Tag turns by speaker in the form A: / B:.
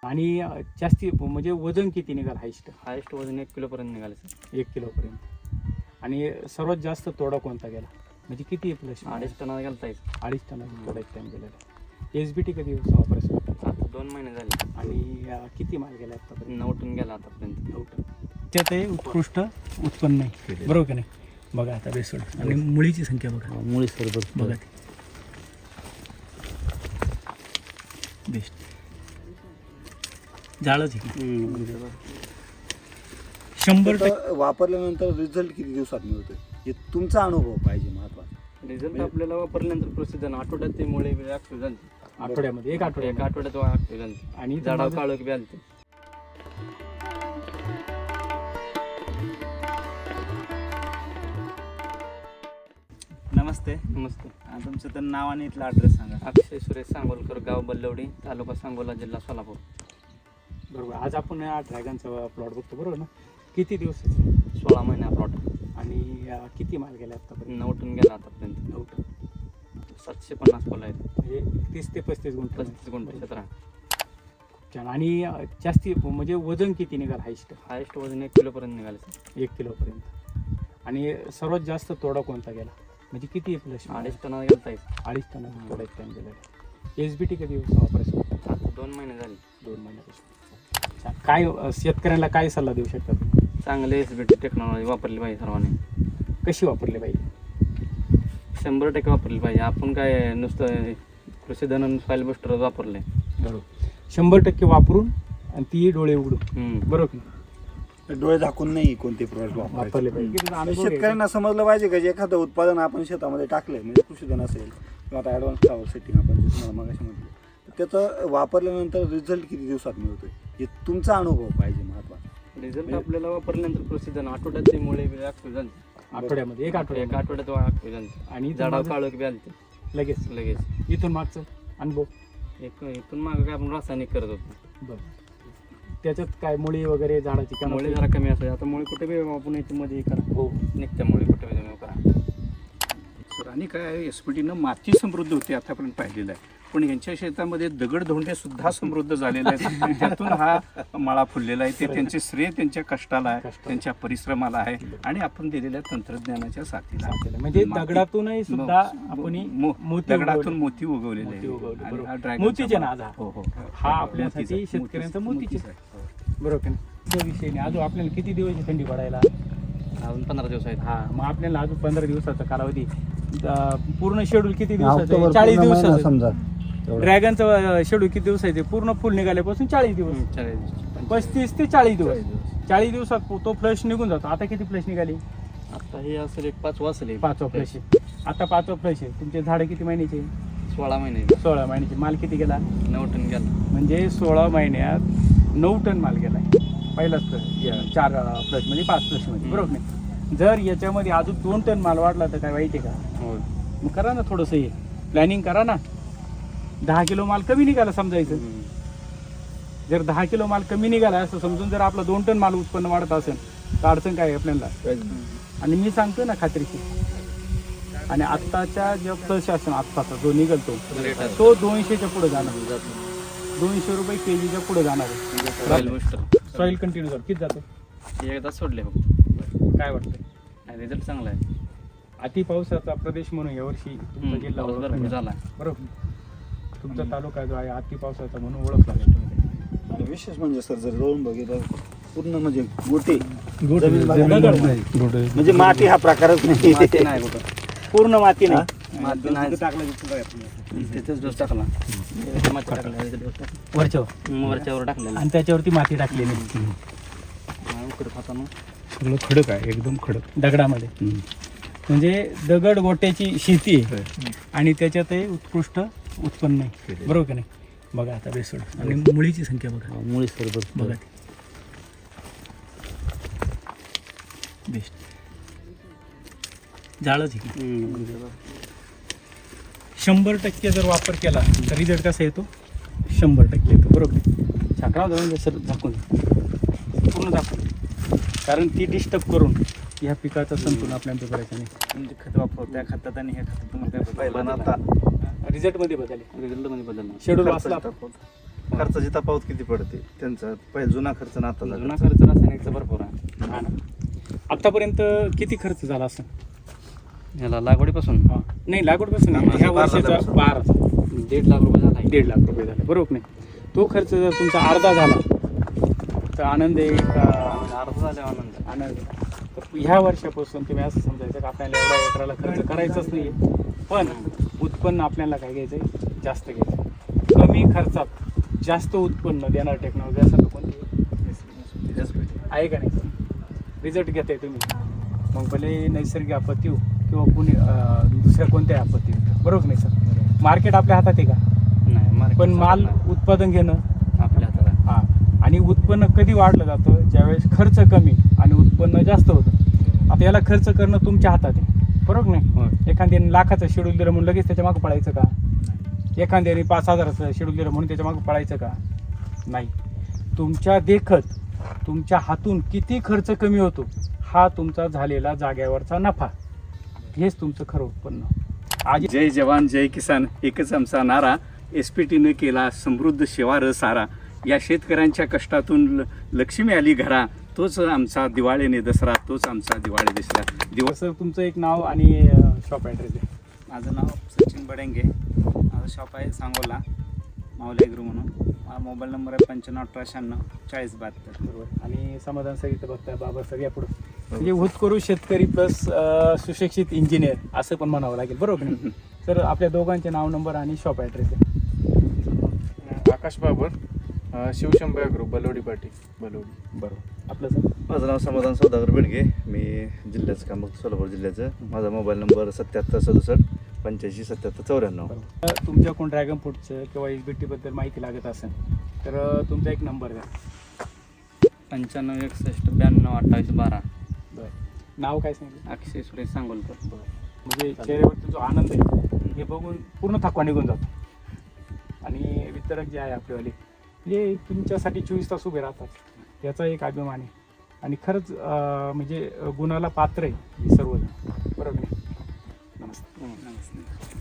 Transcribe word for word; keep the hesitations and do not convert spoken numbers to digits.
A: आणि जास्ती म्हणजे वजन किती निघाल हायस्ट?
B: हायस्ट वजन एक किलोपर्यंत निघाले सर.
A: एक किलोपर्यंत. आणि सर्वात जास्त तोडा कोणता गेला, म्हणजे किती प्लस?
B: अडीच टनाला गेलता एक.
A: अडीच टनाचा तोडा एक टाइम गेलेला. एस बी टी कधी वापरायचं?
B: आता दोन महिने झाले.
A: आणि अं, किती माल गेला आतापर्यंत?
B: नऊ टन गेला आतापर्यंत.
A: नऊ टन. त्यात हे उत्कृष्ट उत्पन्न आहे, बरोबर की नाही? बघा आता बेसोड आणि मुळीची संख्या बघा.
B: मुळी सर
A: बघा ती बेस्ट झाडच आहे. शंभर टक्के
C: तर वापरल्यानंतर रिझल्ट किती दिवसात मिळतोय हे तुमचा अनुभव पाहिजे महत्वाचा.
B: रिझल्ट आपल्याला वापरल्यानंतर प्रोसिजर आठवड्यात ते मुळे ऍक्टिव्ह झाले.
A: आठवड्यामध्ये एक
B: एक
A: आठवड्यात
B: आठवड्यात ऍक्टिव्ह झाले
A: आणि
B: झाडावर काळोख बी आलते.
D: नमस्ते.
B: नमस्ते.
D: अं, तुमचं तर नाव आणि इथला ॲड्रेस सांगा.
B: अक्षय सुरेश सांगोलकर, गाव बल्लवडी, तालुका सांगोला, जिल्हा सोलापूर.
A: बरोबर. आज आपण या ड्रॅगनचा प्लॉट बघतो, बरोबर ना? किती दिवसाचा?
B: सोळा महिना प्लॉट.
A: आणि अं, किती माल गेला आतापर्यंत?
B: नऊ टन गेला आतापर्यंत.
A: नऊ टन.
B: सातशे पन्नास फुलं आहेत.
A: म्हणजे तीस ते पस्तीस गुंठ.
B: पस्तीस गुंठ क्षेत्र.
A: छान. आणि अं, जास्ती म्हणजे वजन किती निघाल हायस्ट?
B: हायस्ट वजन एक किलोपर्यंत निघाले सर.
A: एक किलोपर्यंत. आणि सर्वात जास्त तोडा कोणता गेला, म्हणजे किती प्लस?
B: अडीच टनाला गेलता एक.
A: अडीच टनाचा तोडा एक टाइम गेलेला. एस बी टी कधी वापरायचं?
B: आता दोन महिने झाले.
A: दोन महिन्यापासून. छान. काय अं, शेतकऱ्यांना काय सल्ला देऊ शकता तुम्ही?
B: चांगले एस बी टी टेक्नॉलॉजी वापरली पाहिजे सर्वांनी.
A: कशी वापरली पाहिजे?
B: शंभर टक्के वापरली पाहिजे. आपण काय नुसतं कृषी धन फाईल बुस्टर वापरले.
A: बरोबर. शंभर टक्के वापरून आणि ती डोळे उघडून, बरोबर की नाही?
C: डोळे झाकून नाही कोणते प्रोडक्ट
A: वापरले
C: वापरले
A: पाहिजे. किती अनुभव घ्यायचा.
C: शेतकऱ्यांना समजलं पाहिजे का जे एखादं उत्पादन आपण शेतामध्ये टाकलंय, म्हणजे कृषीधन असेल किंवा आता ॲडव्हान्स फ्लावर सेटिंग आपण जे तुम्हाला मगाशी म्हटलं, तर त्याचं वापरल्यानंतर रिझल्ट किती दिवसात मिळतोय हे तुमचा अनुभव पाहिजे महत्वाचा.
B: रिझल्ट आपल्याला वापरल्यानंतर कृषी धन आठवड्यात ते मुळे ऍक्टिव्ह झाले.
A: आठवड्यामध्ये एक
B: एक
A: आठवड्यात.
B: आठवड्यात ऍक्टिव्ह झाले
A: आणि
B: झाडावर काळोख बी आलते
A: लगेच
B: लगेच.
A: इथून मागचं अनुभव.
B: एक इथून मागं काय आपण रासायनिक करत होतो.
A: बरं. त्याच्यात काय मुळी वगैरे झाडाची काय
B: मुळे जरा कमी असायचे. आता मुळे कुठे बी आपण याच्यामध्ये हे करा.
A: हो.
B: निघत्या मुळे कुठे बी तुम्ही करा.
E: सर आणि काय एस पी टीनं माती समृद्ध होती आतापर्यंत पाहिलेलं आहे, पण यांच्या शेतामध्ये दगडधोंडे सुद्धा समृद्ध झालेले आहेत. त्यातून हा मळा फुललेला आहे. ते त्यांचे श्रेय त्यांच्या कष्टाला आहे, त्यांच्या परिश्रमाला आहे आणि आपण दिलेल्या तंत्रज्ञानाच्या साथीला आहे.
A: साथीला. म्हणजे
E: माती-
A: दगडातूनही सुद्धा
E: मो-
A: आपण
E: मो-
A: मोती
E: दगडातून
A: उगवले.
E: मोती उगवलेले
A: मोती
E: आहे.
A: उगवले,
E: आणि
A: बरोबर.
E: हा ड्रॅगनचा
A: मोतीचे
E: मळा-
A: नाद हा.
E: हो हो
A: हा आपल्यासाठी
E: मोतीचा-
A: शेतकऱ्यांचा
E: मोतीचा-
A: मोतीचे.
E: मोतीचा आहे.
A: बरोबर की नाही? त्या विषयी अजून आपल्याला किती दिवस आहे थंडी पडायला?
B: अजून पंधरा दिवस आहेत.
A: हा, मग आपल्याला अजून पंधरा दिवसाचा कालावधी. अं, पूर्ण शेड्यूल किती दिवसाचं आहे? चाळीस दिवसाचं.
C: समजा
A: ड्रॅगनचं शेड्यूल किती दिवस आहे? ते पूर्ण फुल निघाल्यापासून चाळीस दिवस.
B: हम्म, चाळीस दिवस.
A: पस्तीस ते चाळीस दिवस. चाळीस दिवसात तो फ्लश निघून जातो. आता किती फ्लश निघाली?
B: आता हे असेल एक पाच वाजले.
A: पाचवा फ्लश आहे. आता पाचवा फ्लश आहे. तुमचे झाडं किती महिन्याचे?
B: सोळा महिने.
A: सोळा महिन्याचे. माल किती गेला?
B: नऊ टन गेला.
A: म्हणजे सोळा महिन्यात नऊ टन माल गेलाय. पहिलाच फ्लश, चार फ्लश म्हणजे पाच फ्लश मध्ये, बरोबर नाही? जर याच्यामध्ये अजून दोन टन माल वाढला तर काय वाईट आहे का?
B: हो.
A: मग करा ना थोडंसं, हे प्लॅनिंग करा ना. दहा किलो माल कमी निघाला समजायचं. जर दहा किलो माल कमी निघाला असं समजून जर आपला दोन टन माल उत्पन्न वाढत असेल तर अडचण काय आहे आपल्याला? आणि मी सांगतो ना खात्रीशी. आणि आत्ताच्या ज्या फ्लश असेल आत्ताचा जो निघतो तो दोनशेच्या पुढे जाणार. दोनशे रुपये के जीच्या पुढे जाणार
B: Soil
A: आहे.
B: booster.
A: सॉईल कंटिन्यू कर. किती जातो?
B: हे एकदा सोडले हो.
A: काय वाटतं?
B: रिझल्ट चांगला आहे.
A: अति पावसाचा प्रदेश म्हणून यावर्षी तुमचा जिल्हा
B: पाऊस
A: ओळखला
B: भरपूर
A: गेला.
B: झाला.
A: बरोबर. तुमचा तालुका जो आहे अति पावसाचा म्हणून ओळखला गेला.
C: आणि विशेष म्हणजे सर जर जाऊन बघितलं पूर्ण म्हणजे गोटे
A: गोटे.
C: जमीन भागात
A: दगड.
C: नाही. म्हणजे माती हा प्रकारच नाही.
B: माती नाही कुठं.
A: पूर्ण माती नाही.
B: माती नाही.
C: टाकला की पुन्हा येत नाही.
B: तिथेच डोस टाकला. माती टाकला. इथे डोस टाकला.
A: वरच्यावर
B: वरच्यावर टाकलेला.
A: आणि त्याच्यावरती माती टाकलेली.
B: उकडं खाताना
A: सगळं खडक आहे, एकदम खडक दगडामध्ये. म्हणजे दगड गोट्याची शेती आहे आणि त्याच्यातही उत्कृष्ट उत्पन्न आहे, बरोबर की नाही? बघा आता बेसोड आणि मुळीची संख्या बघा.
B: मुळी सर
A: बघा ती बेस्ट झाडच आहे. शंभर टक्के जर वापर केला तर रिझल्ट कसा येतो? शंभर टक्के येतो, बरोबर. छाकरा जाऊन सर झाकून पूर्ण दाखवून, कारण ती डिस्टर्ब करून ह्या पिकाचं संतुलन आपल्याला करायचं नाही.
D: म्हणजे खत वापरतो त्या खतात आणि ह्या खतात तुम्हाला काय
E: पहिला
D: बदल
E: आता
A: रिझल्टमध्ये बदल आहे.
B: रिझल्टमध्ये बदलला.
A: शेड्यूल वाचला.
D: खर्चाची तफावत किती पडते त्यांचा पहिला जुना खर्च ना आता
B: जुना खर्च रासायनिकचा भरपूर आहे
A: हा ना. आतापर्यंत किती खर्च झाला असं?
B: ह्याला लागवडीपासून
A: हा. नाही लागवडपासून नाही.
D: आम्हाला
A: ह्या
D: बारा
A: वर्षाचा
D: झाल्यापासून.
A: बारा
B: दीड लाख रुपये झाला आहे.
A: दीड लाख रुपये झाले बरोबर नाही. तो खर्च जर तुमचा अर्धा झाला तर आनंद आहे का?
B: अर्ध झाले आनंद.
A: आनंद आहे. तर ह्या वर्षापासून तुम्ही असं समजायचं की आपल्याला एवढा एकराला खर्च करायचाच नाही, पण उत्पन्न आपल्याला काय घ्यायचं आहे, जास्त घ्यायचं आहे. कमी खर्चात जास्त उत्पन्न देणार टेक्नॉलॉजी असं तर कोणती आहे का नाही? रिझल्ट घेताय तुम्ही, मग भले नैसर्गिक आपत्ती हो किंवा कुणी अं, दुसऱ्या कोणत्याही आपत्ती हो, बरोबर नाही सर? मार्केट आपल्या हातात आहे का?
B: नाही market
A: पण माल
B: नाही.
A: उत्पादन घेणं
B: आपल्या हातात आहे.
A: हा. आणि उत्पन्न कधी वाढलं जातं? ज्यावेळेस खर्च कमी आणि उत्पन्न जास्त होतं. आता याला खर्च करणं तुमच्या हातात आहे, बरोबर नाही?
B: होय.
A: एखाद्याने लाखाचं शेड्यूल दिलं म्हणून लगेच त्याच्या मागं पळायचं का? एखाद्याने पाच हजाराचं शेड्यूल दिलं म्हणून त्याच्या मागं पळायचं का? नाही. तुमच्या देखत तुमच्या हातून किती खर्च कमी होतो हा तुमचा झालेला जाग्यावरचा नफा, हेच तुमचं खरं उत्पन्न. आज
E: जय जवान जय किसान एकच आमचा नारा. एस पी टीनं केला समृद्ध शिवार सारा. या शेतकऱ्यांच्या कष्टातून ल- लक्ष्मी आली घरा. तोच आमचा दिवाळीने दसरा, तोच आमचा दिवाळी दसरा. दिवस
A: सर तुमचं एक नाव आणि शॉप ॲड्रेस आहे.
D: माझं नाव सचिन बडेंगे, माझं शॉप आहे सांगोला माऊली ॲग्रो म्हणून. माझा मोबाईल नंबर आहे पंच्याण्णव अठरा शहाण्णव चाळीस बहात्तर.
A: बरोबर. आणि समाधान सर इथं बघताय बाबा सगळ्या पुढं म्हणजे होतकरू शेतकरी प्लस सुशिक्षित इंजिनियर असं पण म्हणावं लागेल, बरोबर नाही? तर आपल्या दोघांचे नाव, नंबर आणि शॉप ॲड्रेस आहे.
F: आकाश बाबर, अ, शिवशंभू ॲग्रो, बलोडी पाटी, बलोडी.
A: बरोबर. आपलं सर?
G: माझं नाव समाधान सौदागर बेडगे, मी जिल्ह्याचं काम बघतो, सोलापूर जिल्ह्याचं. माझा मोबाईल नंबर सत्याहत्तर सदुसष्ट पंच्याऐंशी सत्याहत्तर चौऱ्याण्णव.
A: बरोबर. तुमच्या कोण ड्रॅगन फ्रूटचं किंवा एस बी टीबद्दल माहिती लागत असेल तर अं, तुमचा एक नंबर द्या.
B: पंच्याण्णव एकसष्ट ब्याण्णव अठ्ठावीस बारा.
A: बरं. नाव काय सांगितलं?
B: अक्षय सुरेश सांगोलकर.
A: म्हणजे चेहऱ्यावरती जो आनंद आहे हे बघून पूर्ण थकवा निघून जातो. आणि वितरक जे आहे आपलेवाले म्हणजे तुमच्यासाठी चोवीस तास उभे राहतात, याचा एक अभिमान आहे. आणि खरंच अं, म्हणजे गुणाला पात्र आहे हे सर्व, बरोबर नाही? नमस्ते.
D: नमस्ते.